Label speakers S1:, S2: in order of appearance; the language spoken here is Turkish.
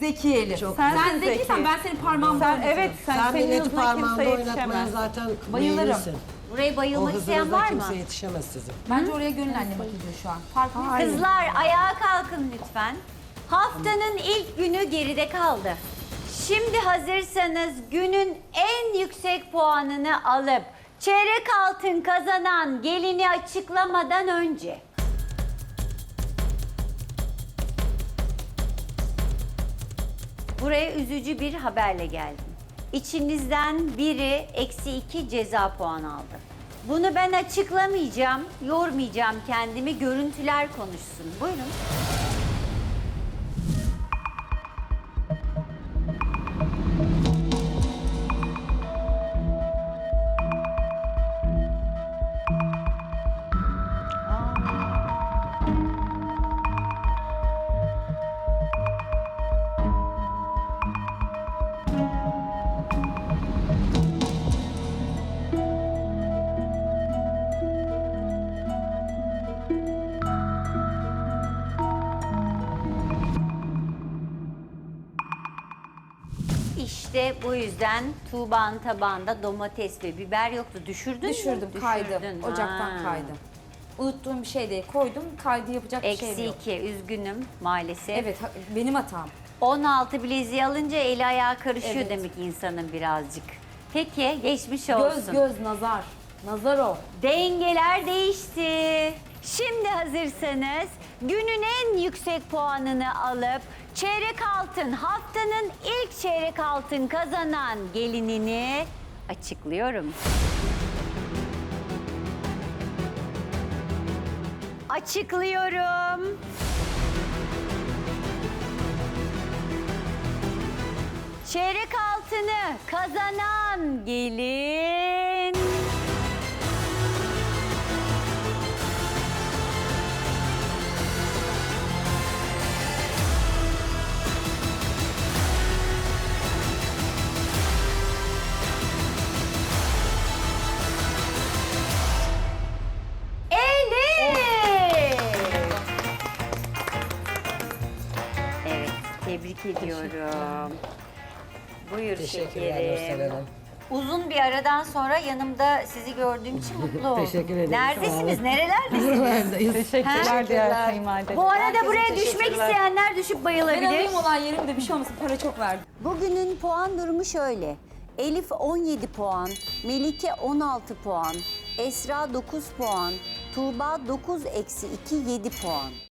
S1: Zeki Elif.
S2: Çok
S1: Sen
S2: güzel.
S1: zekiysen ben senin parmağımda
S2: Evet,
S3: Sen
S2: senin
S3: beni
S2: hızına
S3: parmağında
S2: kimse
S3: oynatmaya
S2: yetişemez.
S3: zaten
S1: Bayılırım.
S3: meyillisin.
S4: Buraya
S3: O
S4: bayılmak isteyen
S3: hızınıza
S4: var mı?
S3: kimse yetişemez sizin.
S1: Bence oraya gönül annem hak ediyor şu an. Farkındayım.
S4: Kızlar ayağa kalkın lütfen. Haftanın ilk günü geride kaldı. Şimdi hazırsanız günün en yüksek puanını alıp çeyrek altın kazanan gelini açıklamadan önce buraya üzücü bir haberle geldim. İçinizden biri -2 ceza puanı aldı. Bunu ben açıklamayacağım, yormayacağım kendimi, görüntüler konuşsun. Buyurun. İşte bu yüzden Tuğba'nın tabağında domates ve biber yoktu. Düşürdün mü?
S1: Düşürdüm, kaydı.
S4: Düşürdün.
S1: Ocaktan
S4: Ha.
S1: kaydım. Unuttuğum bir şey değil. Koydum, kaydı yapacak bir şey yok.
S4: -2, üzgünüm maalesef.
S1: Evet, benim hatam.
S4: 16 bileziği alınca eli ayağı karışıyor
S1: Evet.
S4: demek ki insanın birazcık. Peki, geçmiş olsun.
S1: Göz, nazar. Nazar o.
S4: Dengeler değişti. Şimdi hazırsanız günün en yüksek puanını alıp çeyrek altın, haftanın ilk çeyrek altın kazanan gelinini açıklıyorum. Açıklıyorum. Çeyrek altını kazanan gelin... Elif! Evet, tebrik ediyorum. Buyur
S3: Teşekkürler Nursel
S4: şekerim.
S3: Hanım.
S4: Uzun bir aradan sonra yanımda sizi gördüğüm için mutlu oldum.
S3: Teşekkür ederim,
S4: Neredesiniz,
S3: sağ olun.
S4: nerelerdesiniz?
S3: Neredeyiz?
S2: Teşekkürler diğer kayınvalide.
S4: Bu arada
S3: Herkese
S4: buraya düşmek
S3: teşekkürler.
S4: isteyenler düşüp
S1: Ben
S4: bayılabilir.
S1: alayım olan yerimde bir şey olmasın. Para çok verdim.
S4: Bugünün puan durumu şöyle. Elif 17 puan, Melike 16 puan, Esra 9 puan, Tuğba 9-2 7 puan.